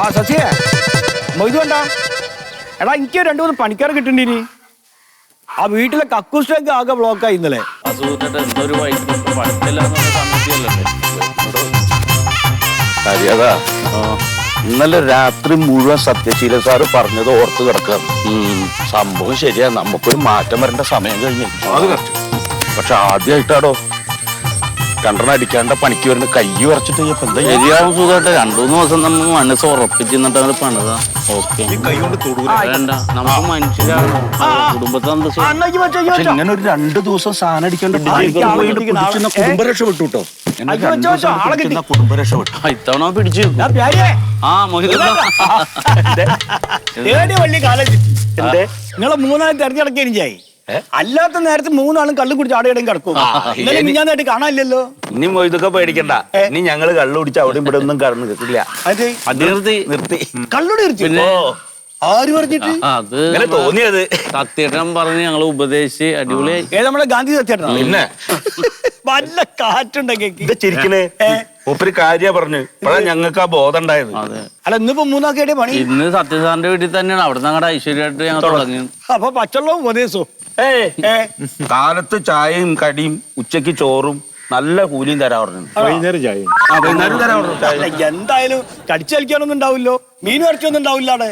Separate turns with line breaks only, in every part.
ശശിയെ മൊയ്തു വേണ്ട എടാ എനിക്ക് 2-3 പണിക്കാർ കിട്ടണ്ടിനി ആ വീട്ടിലെ കക്കൂസ്റ്റൊക്കെ ആകെ ബ്ലോക്കായി ഇന്നലെ
അതാ ഇന്നലെ രാത്രി മുഴുവൻ സത്യശീല സാറ് പറഞ്ഞത് ഓർത്ത് കിടക്കുക സംഭവം ശരിയാ നമുക്കൊരു മാറ്റം വരേണ്ട സമയം കഴിഞ്ഞു പക്ഷെ ആദ്യമായിട്ടാടോ രണ്ടെണ്ണം അടിക്കാണ്ട പണിക്ക് വരുന്ന കൈ വരച്ചിട്ട്
ശരിയാവും സുഖമായിട്ട് 2-3 ദിവസം നമ്മൾ മനസ്സ് ഉറപ്പിച്ചിട്ട് അങ്ങനെ പണിതാ ഓക്കെ വേണ്ട നമുക്ക് മനുഷ്യരാണ് കുടുംബത്തെ
ഇങ്ങനെ ഒരു 2 ദിവസം സാധനം അടിക്കാണ്ട് കുടുംബ രക്ഷപ്പെട്ടു കേട്ടോ കുടുംബ രക്ഷപ്പെട്ടു
ഇത്തവണ പിടിച്ചു ആ
നിങ്ങളെ 3 തെരഞ്ഞെടുക്കുക എനിക്കായി അല്ലാത്ത നേരത്തെ 3 ആളും കള്ളു കുടിച്ച് അവിടെ ഇടം കിടക്കും ഞാനായിട്ട് കാണാനില്ലല്ലോ
ഇനി മൊയ്തൊക്കെ പേടിക്കണ്ട ഇനി ഞങ്ങള് കള്ളു കുടിച്ച് അവിടെ ഇവിടെ ഒന്നും കടന്നു കിട്ടില്ല
നിർത്തി
കള്ളുടി നിർത്തി ആര് പറഞ്ഞിട്ട്
അത്
തോന്നിയത്
സത്യേട്ടൻ പറഞ്ഞ് ഞങ്ങള് ഉപദേശിച്ച് അടിപൊളിയായി
നമ്മുടെ ഗാന്ധി സത്യേട്ടൻ
പിന്നെ
വല്ല കാറ്റുണ്ടെങ്കിൽ
ചിരിക്കണേ ഒപ്പര് കാര്യ പറഞ്ഞു ഇപ്പഴാ ഞങ്ങൾക്ക് ആ ബോധം ഉണ്ടായത്
അല്ല ഇന്നിപ്പോ 3 ആക്കിയ പണി
ഇന്ന് സത്യസാറിന്റെ വീട്ടിൽ തന്നെയാണ് അവിടെ ഞങ്ങളുടെ ഐശ്വര്യമായിട്ട് ഞങ്ങൾ തുടങ്ങി
അപ്പൊ പച്ചവെള്ളവും ഉപദേശവും
കാലത്ത് ചായയും കടിയും ഉച്ചക്ക് ചോറും നല്ല കൂലിയും തരാ പറഞ്ഞു
വൈകുന്നേരം ചായ എന്തായാലും കടിച്ചു കളിക്കാനൊന്നും ഉണ്ടാവില്ലോ മീൻ ഇറച്ചിയൊന്നും ഉണ്ടാവില്ലാടെ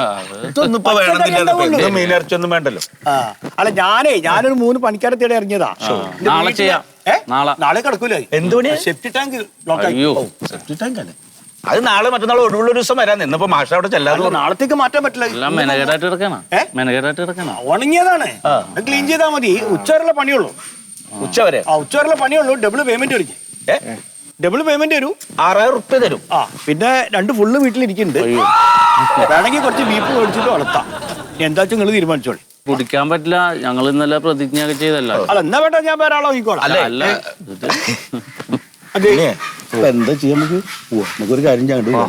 മീൻ ഇറച്ചിയൊന്നും വേണ്ടല്ലോ
അല്ല ഞാനൊരു 3 പണിക്കാരെ തേടി ഇറങ്ങിയതാ
നാളെ ചെയ്യാം
നാളെ കിടക്കൂലേ
എന്തുകൊണ്ട്
സെപ്റ്റി ടാങ്ക് സെപ്റ്റി ടാങ്ക് അല്ലേ
അത് നാളെ മറ്റന്നാൾ ഒഴിവുള്ള ഒരു ദിവസം വരാൻ ഇന്നിപ്പോ മാഷ അവിടെ ചെല്ലാതെ
നാളത്തേക്ക് മാറ്റാൻ പറ്റില്ല
മെനകേടായിട്ട് എടുക്കണം
ഉണങ്ങിയതാണ് ക്ലീൻ ചെയ്താൽ മതി ഉച്ചവരെയുള്ള പണിയുള്ളൂ
ഉച്ചവരെ
ഉച്ചവരെയുള്ള പണിയുള്ളൂ ഡബിൾ പേയ്മെന്റ് വരും ഡബിൾ പേയ്മെന്റ് തരും
6000 റുപ്യ തരും
പിന്നെ 2 ഫുള്ള് വീട്ടിലിരിക്കുന്നുണ്ട് വേണമെങ്കിൽ കുറച്ച് ബീഫ് മേടിച്ചിട്ട് വളർത്താം എന്താ വെച്ചാൽ നിങ്ങൾ തീരുമാനിച്ചോളി
കുടിക്കാൻ പറ്റില്ല ഞങ്ങൾ ഇന്നലെ പ്രതിജ്ഞ ഒക്കെ ചെയ്തല്ല
അല്ല എന്നാ വേണ്ട ഞാൻ വേറെ ആളോ
അല്ല
എന്താ ചെയ്യാൻ നമുക്കൊരു കാര്യം ചെയ്യാൻ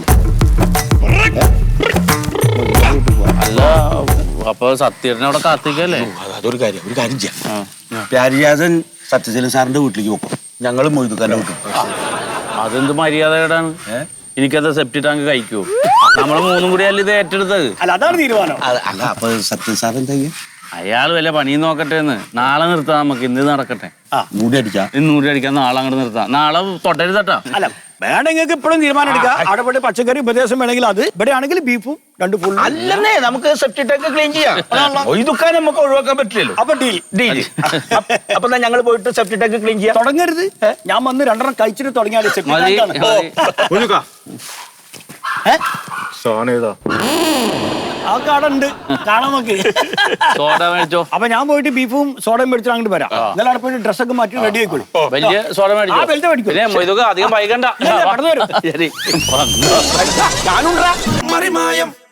അല്ല അപ്പൊ സത്യേട്ടനെ അവിടെ കാത്തിക്കല്ലേ
അതൊരു കാര്യം ചെയ്യാം പ്യാരിജാതൻ സത്യശീലൻ സാറിന്റെ വീട്ടിലേക്ക് പോകും ഞങ്ങൾ മൊയ്തുക്കാന്റെ വീട്ടിൽ
അതെന്ത് മര്യാദയാണ് എനിക്കത് സെപ്റ്റി ടാങ്ക് കഴിക്കൂ നമ്മള് 3 കൂടി അല്ല ഇത് ഏറ്റെടുത്തത്
അല്ല അതാണ് തീരുമാനം
അല്ല അപ്പൊ സത്യൻ സാർ എന്താ
അയാൾ വല്ല പണിയും നോക്കട്ടെ എന്ന് നാളെ നിർത്താം നമുക്ക് ഇന്ന് നടക്കട്ടെ
മൂടി അടിക്കാം
ഇന്ന് മൂടി അടിക്കാം നാളെ അങ്ങോട്ട് നിർത്താം നാളെ തൊട്ടരുതട്ടാ
അല്ല വേണമെങ്കിൽ ഇപ്പോഴും തീരുമാനം എടുക്കാം അവിടെ പോയി പച്ചക്കറി ഉപദേശം വേണമെങ്കിൽ അത് ഇവിടെ ആണെങ്കിൽ ബീഫും 2 ഫുൾ
അല്ലേ നമുക്ക് സെപ്റ്റി ടാങ്ക് ക്ലീൻ ചെയ്യാം മൊയ്തുക്കാൻ നമുക്ക് ഒഴിവാക്കാൻ പറ്റില്ലല്ലോ
അപ്പൊ ഡീൽ
അപ്പൊ ഞങ്ങൾ പോയിട്ട് സെപ്റ്റി ടാങ്ക് ക്ലീൻ ചെയ്യാം
തുടങ്ങരുത് ഞാൻ വന്ന് 2 എണ്ണം കഴിച്ചിട്ട് തുടങ്ങിയാൽ ആ കാടുണ്ട് കാണാൻ നോക്കി
സോഡ മേടിച്ചോ
അപ്പൊ ഞാൻ പോയിട്ട് ബീഫും സോഡയും മേടിച്ചിട്ട് അങ്ങോട്ട് വരാം എന്നാലും അവിടെ പോയിട്ട് ഡ്രസ്സൊക്കെ മാറ്റി റെഡി ആയിക്കോളൂ
വലിയ സോഡ മേടിച്ചോ അധികം വൈകണ്ട
ഞാനുണ്ടാ
ശരി
മറിമായം